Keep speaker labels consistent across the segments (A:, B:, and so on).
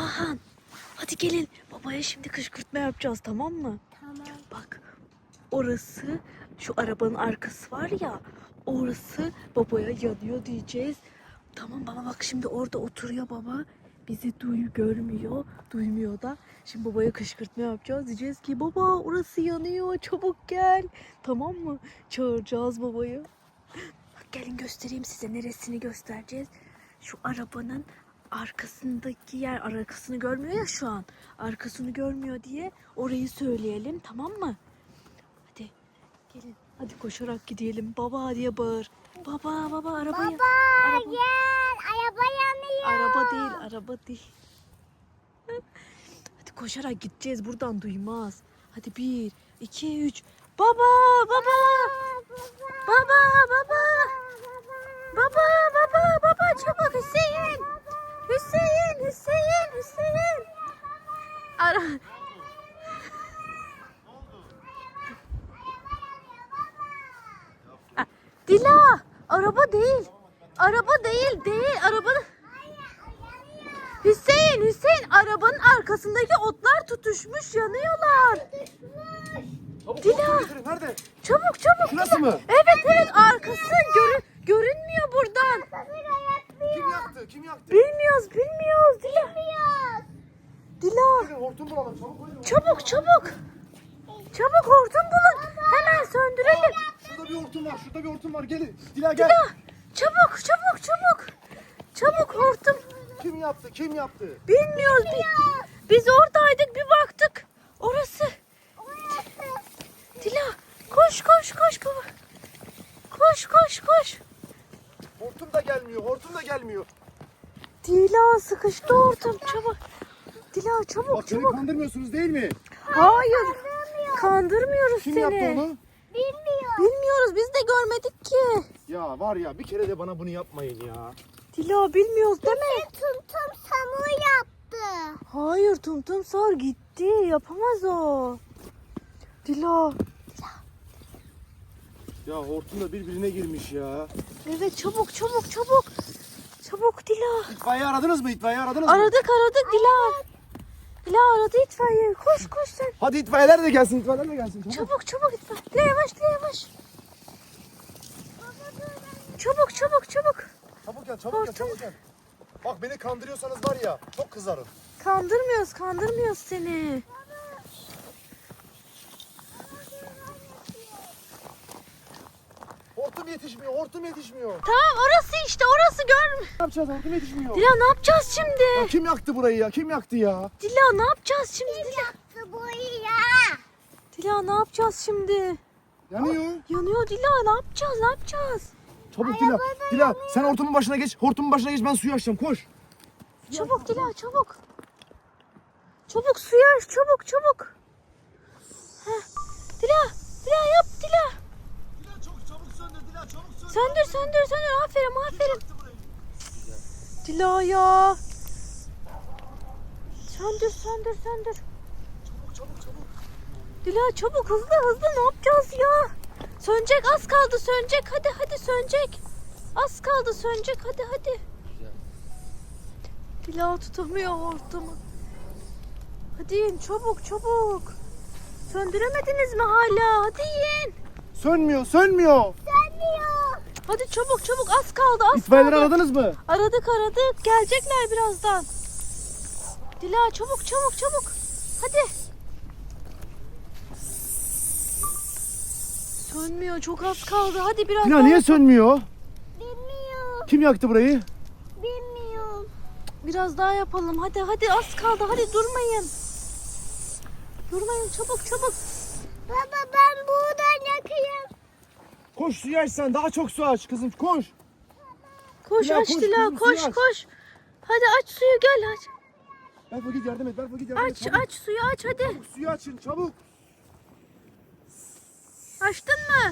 A: Batuhan. Hadi gelin. Babaya şimdi kışkırtma yapacağız, tamam mı?
B: Tamam.
A: Bak, orası, şu arabanın arkası var ya, orası babaya yanıyor diyeceğiz. Tamam baba, bak şimdi orada oturuyor baba. Bizi görmüyor, duymuyor da. Şimdi babaya kışkırtma yapacağız. Diyeceğiz ki baba orası yanıyor, çabuk gel. Tamam mı? Çağıracağız babayı. Bak gelin göstereyim size, neresini göstereceğiz. Şu arabanın arkasındaki yer, arkasını görmüyor ya şu an. Arkasını görmüyor diye orayı söyleyelim, tamam mı? Hadi gelin, hadi koşarak gidelim. Baba diye bağır. Baba baba arabayı.
B: Baba gel, araba yanıyor.
A: Araba değil. Hadi koşarak gideceğiz, buradan duymaz. Hadi 1, 2, 3. Baba baba. Baba baba. Baba çabuk, Hüseyin. Hüseyin. Ara. Dila, araba değil. Araba değil. Araba. Hüseyin, arabanın arkasındaki otlar tutuşmuş, yanıyorlar. Dila.
C: Nerede?
A: Çabuk.
C: Şurası mı?
A: Evet, arkası görünmüyor buradan.
C: Kim yaktı?
A: Bilmiyoruz Dila. Dila.
C: Gelin hortum bulalım çabuk.
A: Çabuk hortum bulun. Hemen söndürelim.
C: Şurada bir hortum var. Gelin. Dila gel.
A: Dila. Çabuk hortum.
C: Kim yaptı?
A: Bilmiyoruz. Biz oradaydık, bir baktık. Orası. Dila koş baba. Koş.
C: Hortum da gelmiyor.
A: Dila sıkıştı hortum, çabuk. Dila çabuk.
C: Bak beni kandırmıyorsunuz değil mi?
A: Hayır. Kandırmıyoruz
C: Kim
A: seni.
C: yaptı onu?
A: Bilmiyoruz, biz de görmedik ki.
C: Ya var ya, bir kere de bana bunu yapmayın ya.
A: Dila bilmiyoruz değil mi?
B: Tum samur yaptı.
A: Hayır, Tum Sar gitti. Yapamaz o. Dila.
C: Ya hortum da birbirine girmiş ya.
A: Evet, çabuk. Çabuk Dila.
C: İtfaiye aradınız mı?
A: Aradık Dila. Dila aradı itfaiye. Koş sen.
C: Hadi itfaiyeler de gelsin. Çabuk.
A: Çabuk itfaiye. Dila yavaş. Çabuk.
C: Çabuk gel. Bak beni kandırıyorsanız var ya, çok kızarım.
A: Kandırmıyoruz seni.
C: Hortum yetişmiyor.
A: Tamam, orası görmüyor.
C: Ne yapacağız? Hortum yetişmiyor.
A: Dila ne yapacağız
C: Ya
A: şimdi?
C: kim yaktı burayı ya? Kim yaktı ya?
A: Dila ne yapacağız şimdi? Dila ne yapacağız şimdi?
C: Yanıyor.
A: Yanıyor Dila, ne yapacağız?
C: Çabuk Dila, sen hortumun başına geç. Ben suyu açacağım. Koş.
A: Çabuk Dila, çabuk. Çabuk suyu aç, çabuk. Heh. Dila yap Dila.
C: Dila çabuk söndür.
A: Söndür. Aferin. Dila ya. Söndür.
C: Çabuk.
A: Dila çabuk, hızlı, ne yapacağız ya? Sönecek, az kaldı sönecek. Hadi sönecek. Az kaldı sönecek, hadi. Dila tutamıyor hortumu. Hadi yiyin çabuk. Söndüremediniz mi hala? Hadi yiyin.
C: Sönmüyor.
A: Hadi çabuk, az kaldı.
C: İtfaiyeleri aradınız mı?
A: Aradık. Gelecekler birazdan. Dila çabuk. Hadi. Sönmüyor, çok az kaldı. Hadi biraz
C: Dila
A: daha.
C: niye sönmüyor?
B: Bilmiyorum.
C: Kim yaktı burayı?
B: Bilmiyorum.
A: Biraz daha yapalım. Hadi az kaldı. Hadi durmayın. Çabuk.
B: Baba ben buradan yakayım.
C: Koş suyu aç sen. Daha çok su aç kızım. Koş.
A: Koş
C: Dila,
A: aç
C: koş
A: Dila,
C: kızım, suyu aç.
A: koş. Hadi aç suyu, gel aç.
C: Berfa git yardım et. Çabuk.
A: Aç suyu aç hadi.
C: Çabuk, suyu açın çabuk.
A: Açtın mı?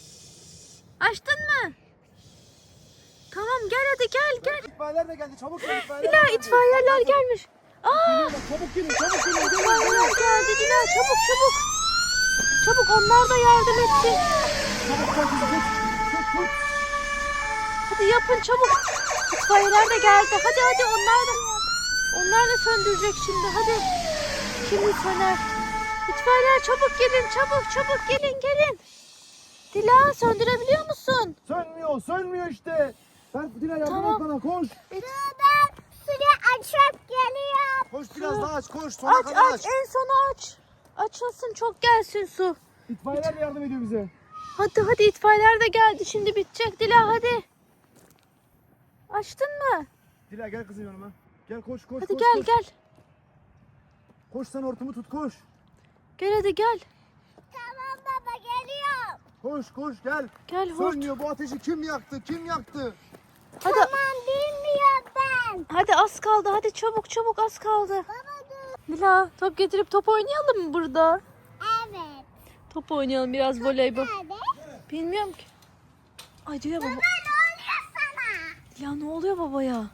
A: Tamam gel hadi gel.
C: İtfaiyeler de geldi. Çabuk gel.
A: Dila itfaiyeler gelmiş.
C: Çabuk gelin.
A: İtfaiyeler geldi Dila, çabuk. Çabuk, onlar da yardım etti.
C: Çabuk gel kızım. Tut.
A: Hadi yapın çabuk. İtfaiyeler de geldi. Hadi onlar da. Onlar da söndürecek şimdi. Hadi. Şimdi söner. İtfaiyeler çabuk gelin. Çabuk gelin. Dila söndürebiliyor musun?
C: Sönmüyor işte. Dila yardım
A: Tamam.
C: et bana, koş.
B: Ben suyu açıp geliyorum.
C: Koş biraz daha aç, koş. Sona
A: Aç
C: kadar
A: aç en sona aç. Açılsın çok gelsin su.
C: İtfaiyeler yardım ediyor bize.
A: Hadi itfaiyeler de geldi. Şimdi bitecek Dila hadi. Açtın mı?
C: Dila gel kızım yanıma. Gel koş.
A: Hadi
C: koş,
A: gel
C: koş.
A: gel.
C: Koş sen hortumu tut, koş.
A: Gel hadi gel.
B: Tamam baba geliyorum.
C: Koş gel.
A: Gel hort.
C: Sönmüyor, bu ateşi kim yaktı?
A: Hadi,
B: Tamam bilmiyorum ben.
A: hadi az kaldı. Hadi çabuk az kaldı.
B: Baba dur.
A: Dila top getirip top oynayalım mı burada?
B: Evet.
A: Top oynayalım biraz voleybol.
B: Nerede?
A: Bilmiyorum ki. Ay Dila baba.
B: Ne oluyor sana?
A: Dila ne oluyor babaya?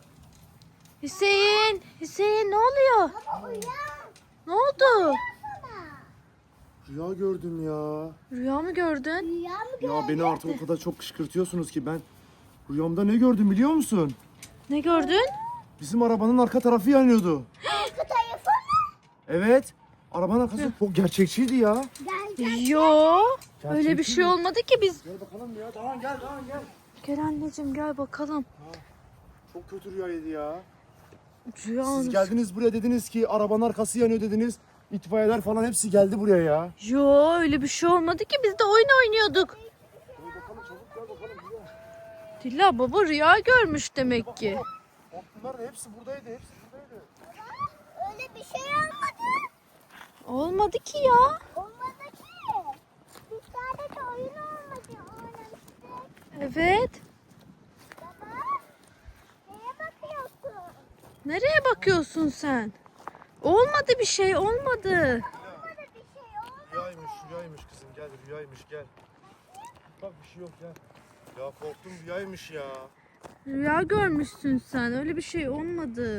A: Hüseyin ne oluyor?
B: Baba uyan.
A: Ne oldu?
B: Sana.
C: Rüya gördüm ya.
A: Rüya mı gördün?
B: Rüya mı
C: Ya beni artık o kadar çok kışkırtıyorsunuz ki ben rüyamda ne gördüm biliyor musun?
A: Ne gördün?
C: Bizim arabanın arka tarafı yanıyordu.
B: Arka tarafı mı?
C: Evet. Arabanın arkası çok gerçekçiydi ya.
B: Gel.
A: Yo. Öyle bir
C: Gerçekçi
A: şey
C: mi?
A: olmadı ki biz.
C: Gel bakalım ya. Tamam gel.
A: Gel anneciğim gel bakalım.
C: Çok kötü rüyaydı ya.
A: Rüya
C: Siz geldiniz buraya, dediniz ki arabanın arkası yanıyor dediniz. İtfaiyeler falan hepsi geldi buraya ya.
A: Yo öyle bir şey olmadı ki biz de oyun oynuyorduk.
C: Bakalım çabuk gel bakalım.
A: Dila baba rüya görmüş demek ki.
C: Bunlar da hepsi buradaydı.
B: Öyle bir şey olmadı.
A: Olmadı ki ya.
B: Olmadı ki. Biz sadece oyun oynamıştık.
A: Evet.
B: Baba. Neye bakıyorsun?
A: Nereye bakıyorsun sen? Olmadı bir şey olmadı.
B: Olmadı bir şey olmadı.
C: Rüyaymış kızım, gel rüyaymış gel. Bak bir şey yok gel. Ya korktum, rüyaymış ya.
A: Rüya görmüşsün sen öyle bir şey olmadı.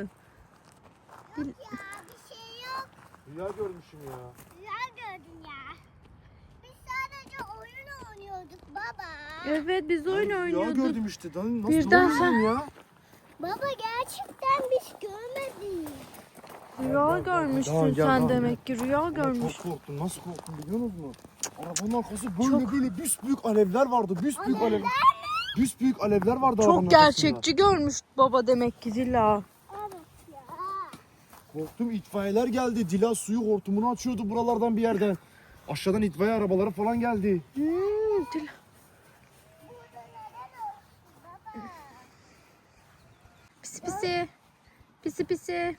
B: Ya bir şey yok.
C: Rüya görmüşüm ya.
B: Rüya gördün ya. Biz sadece oyun oynuyorduk baba.
A: Evet biz oyun
C: Rüya
A: oynuyorduk.
C: gördüm işte. Nasıl
A: Birden
C: ne
A: sen-
C: oluyor ya?
B: Baba gerçekten biz görmedik.
A: Rüya görmüşsün
C: Tamam, gel,
A: sen
C: tamam,
A: demek ki rüya
C: Ama
A: görmüş.
C: çok korktum. Nasıl korktum biliyor musunuz? Arabanın arkası böyle büsbüyük alevler vardı. Büsbüyük alevler. Büsbüyük alevler vardı arabanın
A: Çok
C: arkasında.
A: gerçekçi görmüş baba demek ki Dila.
B: Evet ya.
C: Korktum, itfaiyeler geldi. Dila suyu hortumunu açıyordu buralardan bir yerden. Aşağıdan itfaiye arabaları falan geldi.
A: Dila.
B: Burada neden olsun baba?
A: Pisi pisi. Pisi pisi.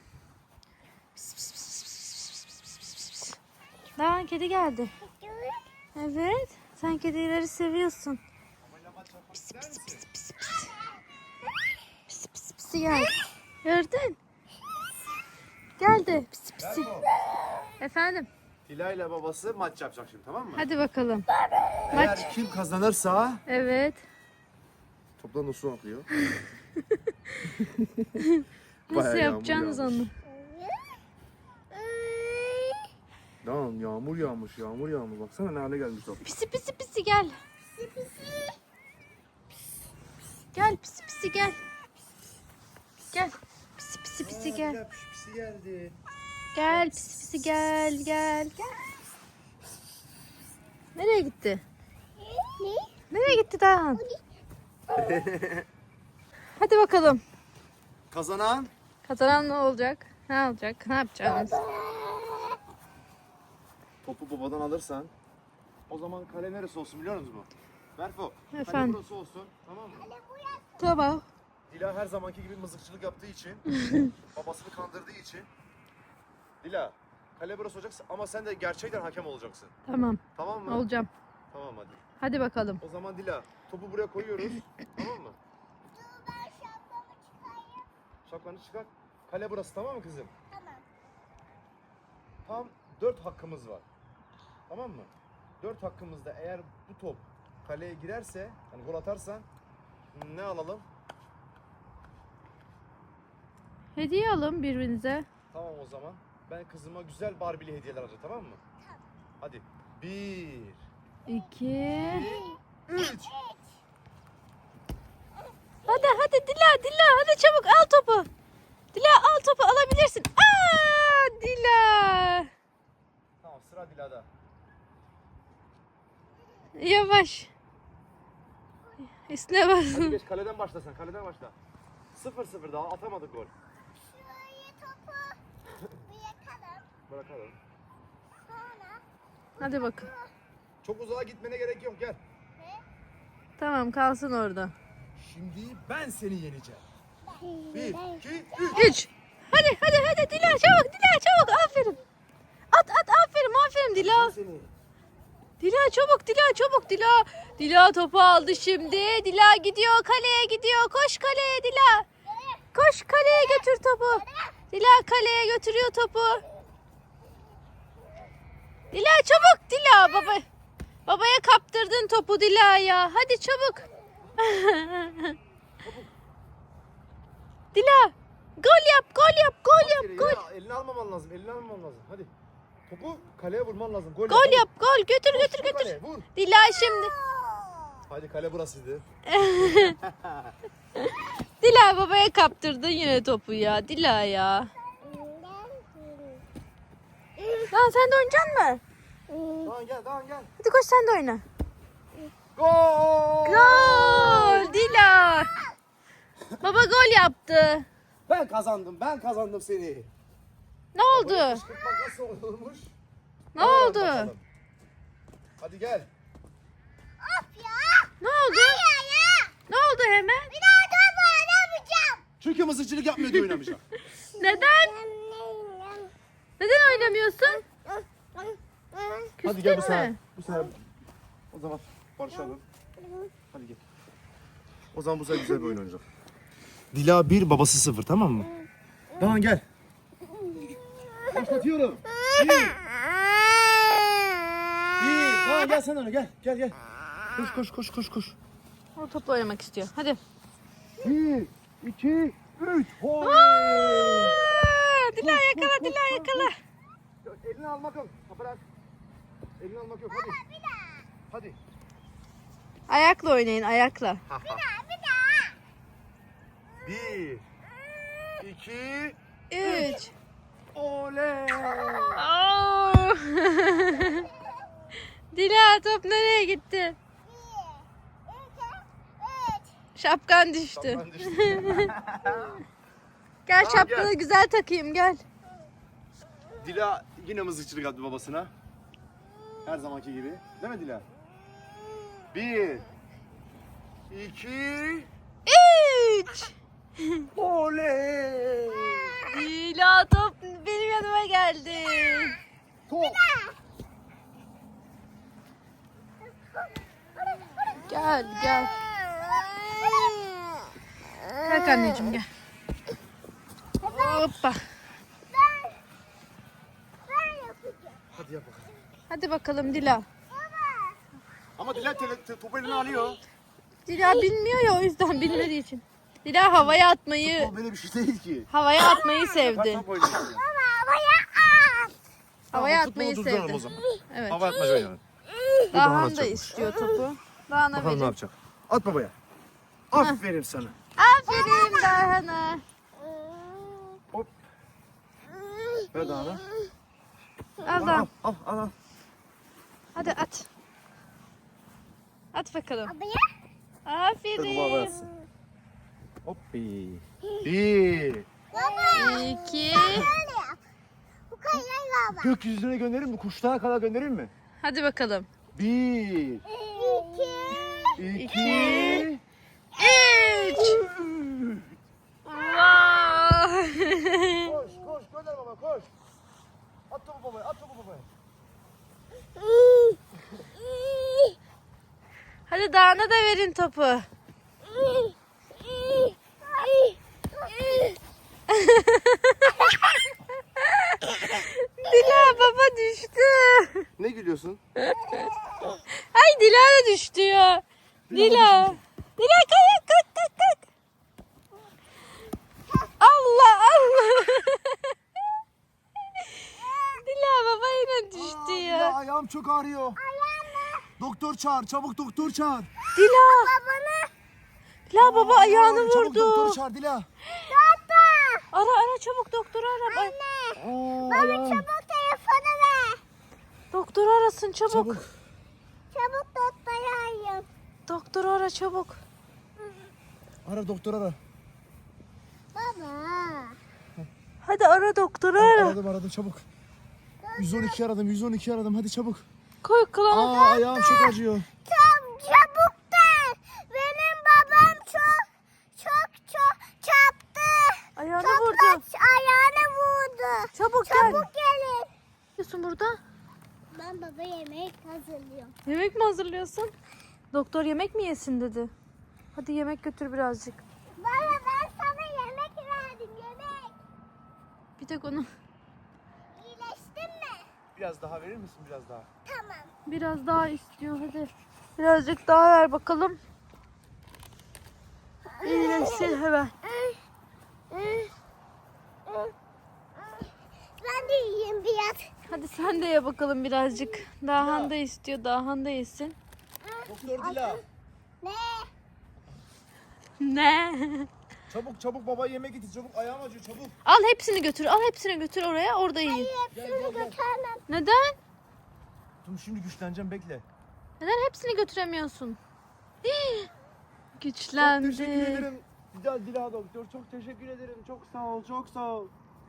A: Daha kedi geldi. Evet. Sen kedileri seviyorsun. Pisi pisi pisi pisi pisi. Pisi pisi pisi gel. Gördün? Geldi. Pisi pisi. Efendim.
C: Dila ile babası maç yapacak şimdi, tamam mı?
A: Hadi bakalım.
C: Eğer kim kazanırsa
A: Evet.
C: toptan da su akıyor.
A: Nasıl
C: Bayağı
A: yapacaksınız
C: yağmur
A: onu?
C: Tamam, yağmur yağmış. Baksana ne hale gelmiş top.
A: Pisi pisi pisi gel. Gel pisi pisi gel. Gel. Pisi pisi pisi gel.
C: Pisi geldi.
A: Gel pisi pisi gel. Nereye gitti?
B: Ne?
A: Nereye gitti daha? Hadi bakalım.
C: Kazanan
A: Kazanan ne olacak? Ne olacak? Ne yapacağız?
C: topu babadan alırsan o zaman kale neresi olsun biliyor musunuz mu? Berfo, kale
A: Efendim?
C: burası olsun, tamam mı?
A: Tamam.
C: Dila her zamanki gibi mızıkçılık yaptığı için, babasını kandırdığı için. Dila, kale burası olacak ama sen de gerçekten hakem olacaksın.
A: Tamam.
C: Tamam mı?
A: Olacağım.
C: Tamam hadi.
A: Hadi bakalım.
C: O zaman Dila, topu buraya koyuyoruz. Tamam mı?
B: Dur ben şapkamı çıkarayım.
C: Şapkanı çıkar. Kale burası, tamam mı kızım?
B: Tamam.
C: Tam 4 hakkımız var. Tamam mı? 4 hakkımızda eğer bu top kaleye girerse, hani gol atarsan ne alalım?
A: Hediye alın birbirinize.
C: Tamam o zaman. Ben kızıma güzel Barbie'li hediyeler alacağım, tamam mı? Hadi. 1,
A: 2.
C: 3.
A: Hadi Dila hadi çabuk al topu. Dila al topu alabilirsin. Aa, Dila.
C: Tamam, sıra Dila'da.
A: Yavaş. Üstüne
C: Hadi
A: basın.
C: geç, kaleden başla sen. Kaleden başla. 0-0 daha atamadık gol.
B: Şurayı topu bırakalım.
C: Bırakalım.
B: Sonra
A: Hadi bakın.
C: Çok uzağa gitmene gerek yok, gel.
A: Tamam kalsın orada.
C: Şimdi ben seni yeneceğim. 1, 2, 3.
A: 3. Hadi Dila çabuk Dila çabuk aferin. At aferin Dila.
C: Seni.
A: Dila çabuk Dila. Dila topu aldı şimdi. Dila gidiyor kaleye gidiyor. Koş kaleye Dila. Koş kaleye götür topu. Dila kaleye götürüyor topu. Dila çabuk Dila babaya kaptırdın topu Dila ya. Hadi çabuk. Dila gol yap. Gol.
C: Elini almaman lazım, Hadi. Topu kaleye vurman lazım. Gol,
A: Gol yap. Götür.
C: Kaleye, vur.
A: Dila şimdi.
C: Hadi, kale burasıydı.
A: Dila babaya kaptırdın yine topu ya. Dila ya. Lan sen de oynayacaksın mı?
C: Doğan gel.
A: Hadi koş sen de oyna.
C: Gol!
A: Gol Dila. Baba gol yaptı.
C: Ben kazandım seni.
A: Ne oldu?
C: Kışkırtmak nasıl olurmuş?
A: Ne oldu?
C: Bakalım. Hadi gel.
A: Ne oldu? Ne oldu hemen?
B: bir daha topu alamayacağım.
C: Çünkü mızıkçılık yapmıyor diye oynamayacağım.
A: Neden? Neden oynamıyorsun?
C: Hadi gel bu
A: Küstün
C: sefer.
A: mü?
C: Bu sefer. O zaman barışalım. Hadi gel. O zaman bu sefer güzel bir oyun oynayacağız. Dila 1, babası 0, tamam mı? Doğan gel. Başlatıyorum. 1. Doğan gel sen öyle gel. Koş.
A: O topla oynamak istiyor. Hadi.
C: 1, 2, 3.
A: Dila yakala.
C: Elini almak yok. Bırak. Elini almak yok. Hadi.
A: Ayakla oynayın ayakla.
B: Bir daha.
C: 1, 2,
A: 3.
C: oley.
A: Dila top nereye gitti?
B: 1, 2, 3.
A: Şapkan düştü.
C: Ben düştüm.
A: Gel
C: Tamam,
A: şapkanı
C: gel.
A: güzel takayım gel.
C: Dila yine mızıkçılık yaptı babasına. Her zamanki gibi. Değil mi Dila? 1, 2,
A: 3.
C: oley.
A: Dila top benim yanıma geldi.
C: Top.
A: Gel. Kalk anneciğim gel. Hoppa.
B: Ben yapacağım.
C: Hadi yap bakalım.
A: Hadi bakalım Dila.
C: Ama Dila topu eline alıyor.
A: Dila bilmiyor ya o yüzden bilmediği için. Dila havaya atmayı
C: O böyle bir şey değil ki.
A: sevdi.
C: Top oynuyorsun.
A: Havaya
C: Tamam,
A: atmayı
C: futbolu durduralım o
A: sevdi.
C: zaman.
A: Evet.
C: Hava atmaca oynayalım.
A: Dahan da
C: atacakmış.
A: istiyor topu. Dahan'a
C: Bakalım ne
A: verin.
C: yapacak. At babaya. Aferin sana.
A: Aferin Dahan'a.
C: Hop. Ver Dağan'a.
A: Al Dahan.
C: Al.
A: Hadi at. At bakalım.
B: Abaya.
C: Dur baba
A: Aferin.
C: versin. Hop. 1.
B: Baba.
A: 2.
B: Böyle yap. Bu kadar baba.
C: Gökyüzüne göndereyim mi? Kuşlara kadar göndereyim mi?
A: Hadi bakalım.
C: 1,
B: 2.
C: 2,
A: 3. Wow.
C: Koş gönder baba koş. At topu babaya.
A: Hadi Dahan'a da verin topu. Dila baba düştü.
C: Ne gülüyorsun?
A: Ay Dila da düştü ya. Dila. Dila kalk. Allah. Dila baba yine düştü ya.
C: Ayağım çok ağrıyor. Doktor çağır. Çabuk doktor çağır.
A: Dila. Dila baba ayağını
C: Çabuk doktoru
A: vurdu.
C: çağır Dila.
A: Ara çabuk doktoru ara. Ay,
B: Baba çabuk telefonu ver.
A: doktoru arasın çabuk.
B: Çabuk doktoru arayın.
A: Doktoru ara çabuk.
C: Ara doktor ara.
B: Baba.
A: Hadi ara doktoru ara.
C: Aradım çabuk. 112 aradım 112 aradım hadi çabuk.
A: Koy kulağına.
C: Ayağım çok acıyor.
B: Çabuk der. Benim babam çok çarptı.
A: Ayağını
B: Çok
A: vurdu.
B: ayağını vurdu.
A: Çabuk gel.
B: Çabuk gelin.
A: Ne yapıyorsun burada?
B: Ben baba yemek hazırlıyorum.
A: Yemek mi hazırlıyorsun? Doktor yemek mi yesin dedi. Hadi yemek götür birazcık.
B: Baba ben sana yemek verdim yemek.
A: Bir tek onu.
B: İyileştin mi?
C: Biraz daha verir misin biraz daha?
B: Tamam.
A: Biraz daha istiyor hadi. Birazcık daha ver bakalım. İyileşsin hemen.
B: Ben de yiyeyim biraz.
A: Hadi sen de ye bakalım birazcık. Dahan da istiyor. Dahan da yesin.
C: Doktor Dila.
B: Ne?
A: Ne?
C: Çabuk baba yemek getir çabuk ayağım acıyor çabuk.
A: Al hepsini götür. Al hepsini götür oraya. Orada yiyin.
B: Hepsini götürmem.
A: Neden?
C: Dur şimdi güçleneceğim bekle.
A: Neden hepsini götüremiyorsun? Hii.
C: Çok teşekkür
A: Güçlendi.
C: ederim. Dila doktor çok teşekkür ederim. Çok sağ ol.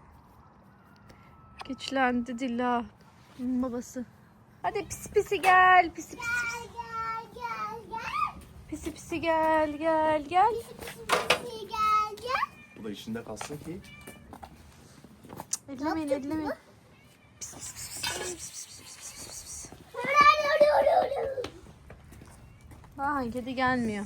A: Güçlendi Dila. Babası. Hadi pisi pisi gel. Pisi pisi.
B: Gel.
A: Pisi pisi gel. Gel.
B: Gel.
C: Bu da işinde kalsın ki.
A: Ellemeyin. Dahan kedi gelmiyor.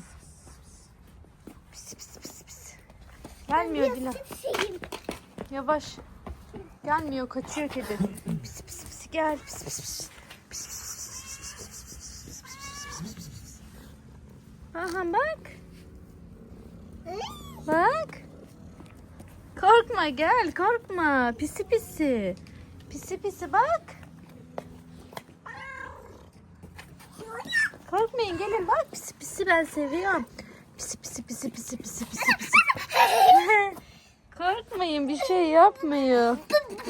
A: Pis. Gelmiyor Dila. Yavaş. Gelmiyor, kaçıyor kedi. Pis gel. Pis. Aha bak. Bak. Korkma gel, korkma. Pisi. Pisi bak. Korkmayın gelin bak. Pisi ben seviyorum. Pisi. Korkmayın bir şey yapmıyor.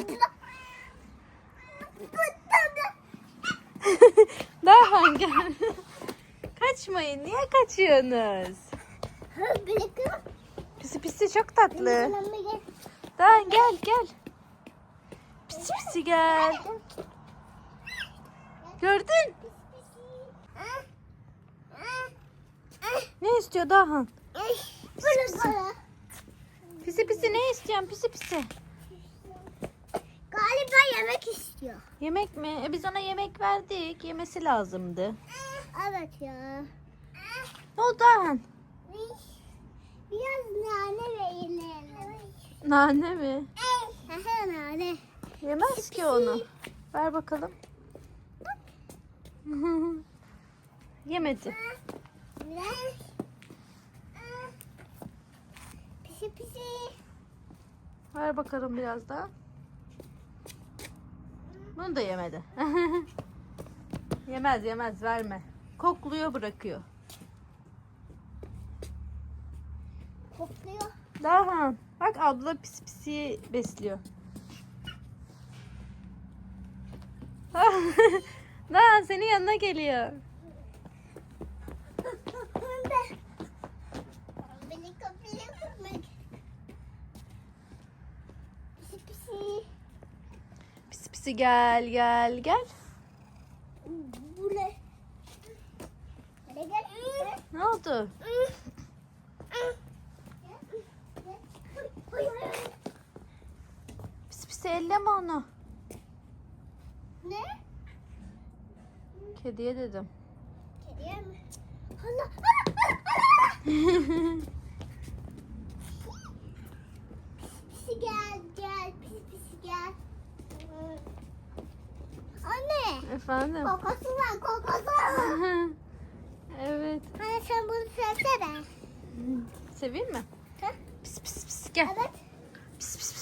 A: Daha gel. Kaçmayın. Niye kaçıyorsunuz? Pisi çok tatlı. Daha gel. Pisi gel. Gördün? Ne istiyor Dahan? Pisi ne istiyorsun? Pisi.
B: Galiba yemek istiyor.
A: Yemek mi? Biz ona yemek verdik. Yemesi lazımdı.
B: Evet ya.
A: Ne oldu Dahan?
B: Biraz nane verelim.
A: Nane mi?
B: Nane.
A: Yemez ki onu. Ver bakalım. Yemedi.
B: Pisi.
A: Ver bakalım biraz daha. Bunu da yemedi. Yemez verme. Kokluyor bırakıyor.
B: Kokluyor.
A: Dahan. Bak abla pisi besliyor. Dahan senin yanına geliyor.
B: Beni kapıya
A: Pisi gel.
B: Bu ne? Hadi gel.
A: Ne oldu? Pisi elleme onu.
B: Ne?
A: Kediye dedim.
B: Kediye mi? Allah. Pisi gel. Pisi gel. Anne.
A: Efendim.
B: Kokusu var.
A: Evet.
B: Anne sen bunu sevsene.
A: Seveyim mi?
B: Ha?
A: Pis gel.
B: Evet.
A: Pis.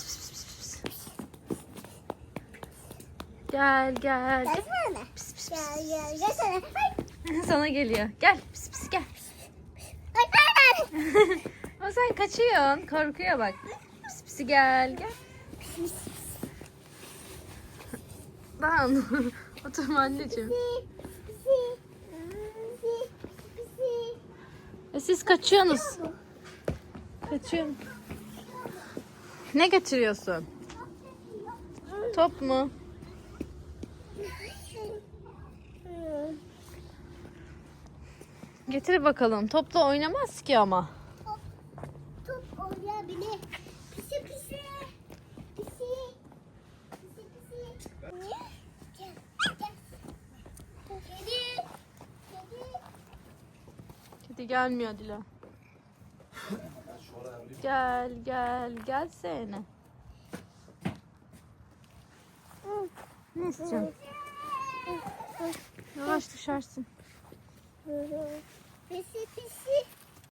A: Gel.
B: Gelsene.
A: Pis.
B: Gel. Gelsene. Ay.
A: Sana geliyor. Gel. Pis gel.
B: Ay.
A: Ama sen kaçıyorsun. Korkuyor bak. Pis. Pisi gel gel. Dan oturma anneciğim. Siz kaçıyorsunuz. Kaçıyorum. Ne getiriyorsun? Top mu? Getir bakalım. Topla oynamaz ki ama.
B: Top oynayabilir. Pisi pisi. Pisi. Pisi pisi. Gel. Gel. Kedi. Kedi.
A: Kedi gelmiyor Dila. Gel gel gelsene. Ne istiyorsun? Yavaş düşersin.
B: Pisi pisi.